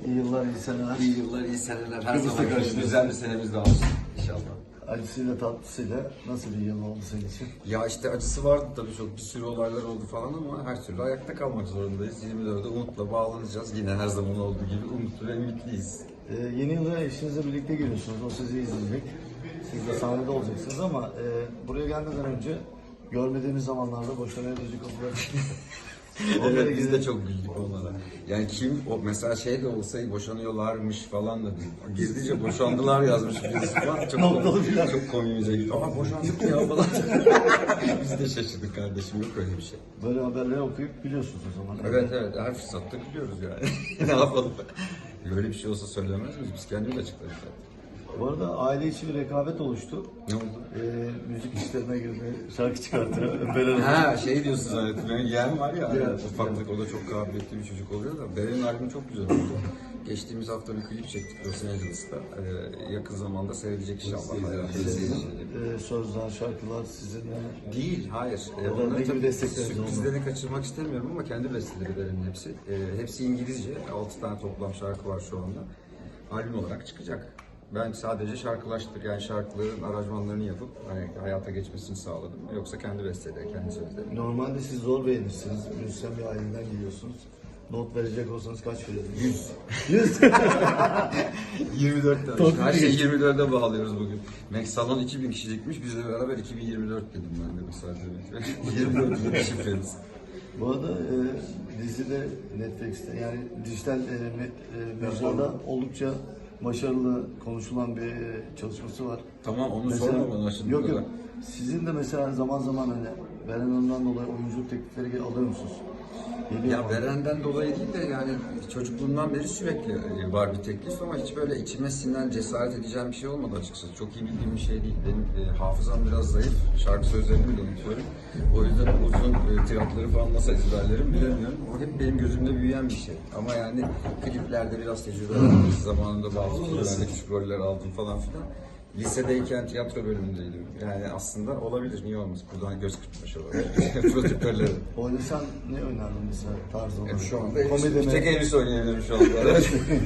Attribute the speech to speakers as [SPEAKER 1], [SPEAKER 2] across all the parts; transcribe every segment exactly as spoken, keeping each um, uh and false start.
[SPEAKER 1] İyi yıllar, iyi seneler.
[SPEAKER 2] İyi yıllar, iyi seneler. Her
[SPEAKER 1] Kıbrıs'ta
[SPEAKER 2] zaman gibi
[SPEAKER 1] karşınızda.
[SPEAKER 2] güzel bir senemiz daha olsun inşallah.
[SPEAKER 1] Acısıyla tatlısıyla nasıl bir yıl oldu senin için?
[SPEAKER 2] Ya işte acısı vardı tabii, çok bir sürü olaylar oldu falan ama her türlü ayakta kalmak zorundayız. yirmi dörde umutla bağlanacağız. Yine her zaman olduğu gibi umutlu ve ümitliyiz.
[SPEAKER 1] Ee, yeni yıla eşinizle birlikte giriyorsunuz. O sizi izleyecek. Siz de sahnede olacaksınız ama e, buraya gelmeden önce görmediğimiz zamanlarda boşanmaya dönecek kapılar.
[SPEAKER 2] Evet, biz de çok güldük onlara. Yani kim, o mesela şey de olsaydı boşanıyorlarmış falan da değil. Gizlice boşandılar yazmış birisi falan. Çok,
[SPEAKER 1] Noktalı filan.
[SPEAKER 2] çok komiğimize gitti. Aa boşandık mı ya falan. Biz de şaşırdık kardeşim, yok öyle bir şey.
[SPEAKER 1] Böyle haberleri okuyup biliyorsunuz o zaman.
[SPEAKER 2] Evet evet, her fırsatta biliyoruz yani. Ne yapalım? Böyle bir şey olsa söylemez miyiz? Biz kendimiz açıklarız zaten.
[SPEAKER 1] Bu arada aile içi bir rekabet oluştu.
[SPEAKER 2] Ne oldu?
[SPEAKER 1] Ee, müzik işlerine girdi, şarkı çıkartıyor. Beren
[SPEAKER 2] Ha şey diyorsun zannettim. Benim yeğen var ya,
[SPEAKER 1] Evet.
[SPEAKER 2] ufaklık, o da çok kabiliyetli bir çocuk oluyor da. Beren'in albümü çok güzel oldu. Geçtiğimiz hafta bir klip çektik Los Angeles'ta. Ee, yakın zamanda seyredilecek inşallah.
[SPEAKER 1] Ee, sözler, şarkılar sizinle.
[SPEAKER 2] Değil, hayır. Ee,
[SPEAKER 1] Orada ne
[SPEAKER 2] onları
[SPEAKER 1] gibi
[SPEAKER 2] tabii
[SPEAKER 1] destekleriniz
[SPEAKER 2] sürprizlerini kaçırmak istemiyorum ama kendi besteleri Beren'in hepsi. Ee, hepsi İngilizce. altı tane toplam şarkı var şu anda. Albüm olarak çıkacak. Ben sadece şarkılaştır, yani şarkıların aranjmanlarını yapıp hani hayata geçmesini sağladım. Yoksa kendi besteleri, kendi sözleri.
[SPEAKER 1] Normalde siz zor beğenirsiniz. Müzisyen bir aileden geliyorsunuz. Not verecek olsanız kaç verirdiniz?
[SPEAKER 2] yüz.
[SPEAKER 1] yüz.
[SPEAKER 2] yirmi dört tane.
[SPEAKER 1] Çok
[SPEAKER 2] Her
[SPEAKER 1] iyi.
[SPEAKER 2] şeyi yirmi dörde bağlıyoruz bugün. Max Salon iki bin kişilikmiş, bizle beraber iki bin yirmi dört dedim ben de mesela demek. yirmi dört yıl şifremiz.
[SPEAKER 1] Bu arada e, dizide Netflix'te yani dijital e, net, e, mecrada oldukça başarılı konuşulan bir e, çalışması var.
[SPEAKER 2] Tamam, onu sorma bana şimdi.
[SPEAKER 1] Yok
[SPEAKER 2] bu
[SPEAKER 1] yok.
[SPEAKER 2] kadar.
[SPEAKER 1] Sizin de mesela zaman zaman hani Beren Hanım'dan dolayı oyunculuk teklifleri gel- alıyor musunuz? Geliyor
[SPEAKER 2] Ya
[SPEAKER 1] mu?
[SPEAKER 2] Beren'den dolayı değil de yani çocukluğumdan beri sürekli e, var bir teklif ama hiç böyle içime sinen, cesaret edeceğim bir şey olmadı açıkçası. Çok iyi bildiğim bir şey değil. Benim e, hafızam biraz zayıf. Şarkı sözlerini de unutuyorum. O yüzden uzun e, tiratları falan nasıl ezberlerim bilemiyorum. O hep benim gözümde büyüyen bir şey. Ama yani kliplerde biraz tecrübe aldım. Zamanında bazı filmlerde küçük roller aldım falan filan. Lisedeyken tiyatro bölümündeydim. Yani aslında olabilir, niye olmaz? Buradan göz kırpmış olabilir. Prodüktörleri.
[SPEAKER 1] Oynasan ne oynardın mesela tarz olarak?
[SPEAKER 2] E, Şu anda
[SPEAKER 1] Komedi
[SPEAKER 2] bir
[SPEAKER 1] mi?
[SPEAKER 2] tek elbis oynayabilirim şu anda.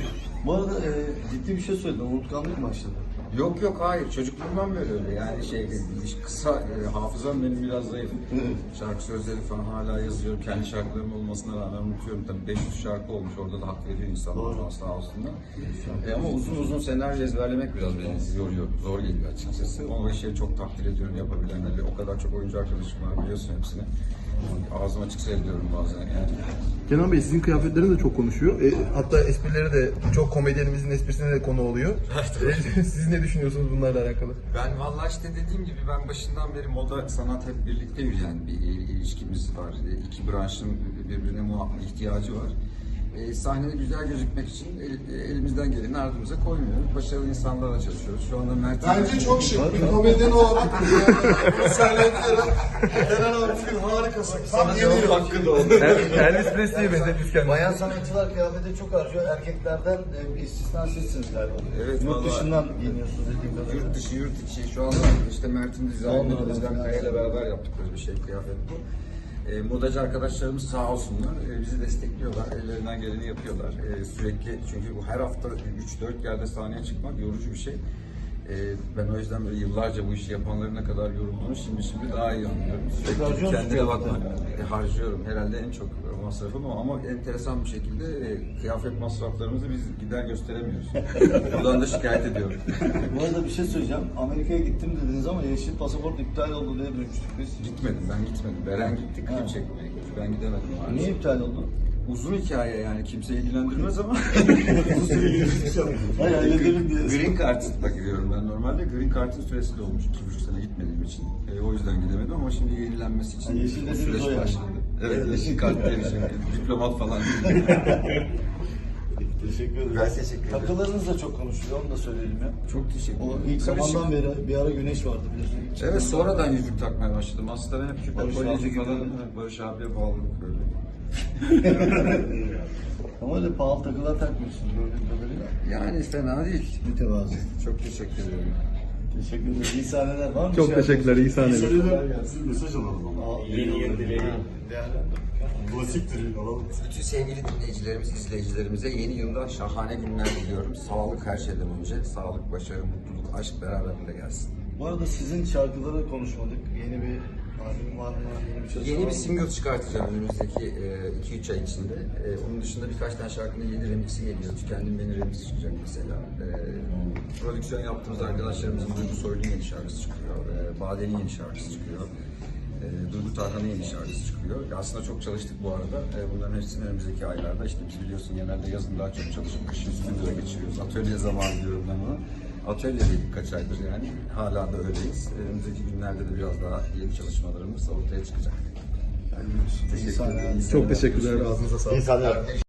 [SPEAKER 1] Bu arada e, ciddi bir şey söyledin. Unutkanlık mı başladı?
[SPEAKER 2] Yok yok, hayır, çocukluğumdan böyle öyle yani şey kısa e, hafızam benim biraz zayıf. Şarkı sözleri falan hala yazıyorum, kendi şarkılarım olmasına rağmen unutuyorum. Tabii beş yüz şarkı olmuş, orada da hak veriyor insanlar
[SPEAKER 1] Doğru.
[SPEAKER 2] sağ olsunlar. E, ama uzun uzun senaryo ezberlemek biraz beni yoruyor, zor geliyor açıkçası. O şeyi çok takdir ediyorum yapabilenleri. O kadar çok oyuncu arkadaşım var, biliyorsun hepsini. Ağzım açık seyrediyorum bazen yani.
[SPEAKER 3] Kenan Bey, sizin kıyafetleriniz de çok konuşuyor. E, hatta esprileri de çok komedyenimizin esprisine de konu oluyor. E, Siz ne düşünüyorsunuz bunlarla alakalı?
[SPEAKER 2] Ben vallahi işte dediğim gibi ben başından beri moda sanat hep birlikte yürüyen bir il- ilişkimiz var. İki branşın birbirine muhakkak ihtiyacı var. E, sahnede güzel gözükmek için el- elimizden geleni ardımıza koymuyoruz. Başarılı insanlarla çalışıyoruz. Şu anda Mert...
[SPEAKER 4] Bence çok şık. Bir komedyen olarak bunu söylediklerim. Eren abi harikasın. Tam yeni yıl.
[SPEAKER 2] hakkında oldu.
[SPEAKER 3] Elvis Presley'e benzetmiş kendini.
[SPEAKER 1] Bayan sanatçılar kıyafete çok harcıyor. Erkeklerden e, bir istisna sizsiniz galiba.
[SPEAKER 2] Evet,
[SPEAKER 1] Yurt
[SPEAKER 2] vallahi.
[SPEAKER 1] dışından giyiniyorsunuz dediğim kadarıyla.
[SPEAKER 2] Yurt dışı, yurt içi. Şu anda işte Mert'in dizaynını
[SPEAKER 1] Vallahi
[SPEAKER 2] Özlem
[SPEAKER 1] ben-
[SPEAKER 2] Kaya ile beraber yaptıkları bir şey, kıyafet bu. E, modacı arkadaşlarımız sağ olsunlar, e, bizi destekliyorlar, ellerinden geleni yapıyorlar. E, sürekli, çünkü bu her hafta üç dört yerde sahneye çıkmak yorucu bir şey. E, ben o yüzden böyle yıllarca bu işi yapanların ne kadar yorulduğunu şimdi şimdi daha iyi anlıyorum. Sürekli
[SPEAKER 1] harcıyor musun
[SPEAKER 2] kendine bakmak.
[SPEAKER 1] kıyafete?
[SPEAKER 2] E, harcıyorum. Herhalde en çok masrafım o, ama enteresan bir şekilde e, kıyafet masraflarımızı biz gider gösteremiyoruz. Buradan da şikayet ediyorum.
[SPEAKER 1] Bu arada bir şey söyleyeceğim. Amerika'ya gittim dediniz ama yeşil pasaport iptal oldu diye duymuştuk biz.
[SPEAKER 2] Gitmedim, ben gitmedim. Beren gitti, klip
[SPEAKER 1] Ha.
[SPEAKER 2] çekmeye gitti. Ben gidemedim maalesef.
[SPEAKER 1] Niye iptal oldu?
[SPEAKER 2] Uzun hikaye yani, kimse ilgilendirmez ama.
[SPEAKER 1] Hayır halledelim diye.
[SPEAKER 2] Green Card'la gidiyorum ben normalde. Green Card'ın süresi de olmuş. iki buçuk sene gitmediğim için. E, o yüzden gidemedim ama şimdi yenilenmesi için
[SPEAKER 1] Ha, yeşil
[SPEAKER 2] o
[SPEAKER 1] dediğiniz
[SPEAKER 2] süreç
[SPEAKER 1] o yani.
[SPEAKER 2] başladı. Evet, yeşil kart diye bir şey. Diplomat falan değil.
[SPEAKER 1] Teşekkür ederim.
[SPEAKER 2] Ben teşekkür ederim.
[SPEAKER 1] Takılarınız da çok konuşuluyor, onu da söyleyelim ya.
[SPEAKER 2] Çok teşekkür
[SPEAKER 1] O
[SPEAKER 2] ederim.
[SPEAKER 1] ilk
[SPEAKER 2] Karışık.
[SPEAKER 1] zamandan beri bir ara güneş vardı biliyorsun.
[SPEAKER 2] Evet, sonradan yüzük takmaya başladım. Aslında ben hep küpe
[SPEAKER 1] Barış
[SPEAKER 2] kolyeci
[SPEAKER 1] abi
[SPEAKER 2] falan.
[SPEAKER 1] gibi.
[SPEAKER 2] Evet, Barış abiye bağladık böyle.
[SPEAKER 1] Ama öyle pahalı takılar takmıyorsunuz gördüğüm kadarıyla.
[SPEAKER 2] Yani fena değil.
[SPEAKER 1] Mütevazı.
[SPEAKER 2] Çok teşekkür ederim.
[SPEAKER 1] Teşekkür ederim. İyi sahneler var mı?
[SPEAKER 3] Çok teşekkürler, iyi sahneler.
[SPEAKER 4] Siz mesaj alalım ama.
[SPEAKER 1] Yeni yıl dileği.
[SPEAKER 4] Klasiktir, alalım.
[SPEAKER 2] Bütün sevgili dinleyicilerimiz, izleyicilerimize yeni yılda şahane günler diliyorum. Sağlık her şeyden önce. Sağlık, başarı, mutluluk, aşk beraberinde gelsin.
[SPEAKER 1] Bu arada sizin şarkıları konuşmadık. Yeni bir albüm var mı? Yeni bir çalışma
[SPEAKER 2] Yeni
[SPEAKER 1] var
[SPEAKER 2] bir
[SPEAKER 1] mı?
[SPEAKER 2] single çıkartacağım önümüzdeki iki üç ay içinde. E, onun dışında birkaç tane şarkının yeni remixi geliyor. Tükendim Beni remix çıkacak mesela. E, prodüksiyon yaptığımız arkadaşlarımızın Duygu Soylu'nun yeni şarkısı çıkıyor. E, Bade'nin yeni şarkısı çıkıyor. E, Duygu Tarhan'ın yeni şarkısı çıkıyor. Aslında çok çalıştık bu arada. E, bunların hepsini önümüzdeki aylarda. İşte biz biliyorsun genelde yazın daha çok çalışıp kışın stüdyoda geçiriyoruz. Atölye zamanı diyorum ben ona. Atölyedeydik kaç aydır yani. Hala da öyleyiz. Önümüzdeki günlerde de biraz daha yeni çalışmalarımız ortaya çıkacak.
[SPEAKER 1] İyi sahneler.
[SPEAKER 3] Çok teşekkürler. Ağzınıza sağlık.
[SPEAKER 4] İyi sahneler.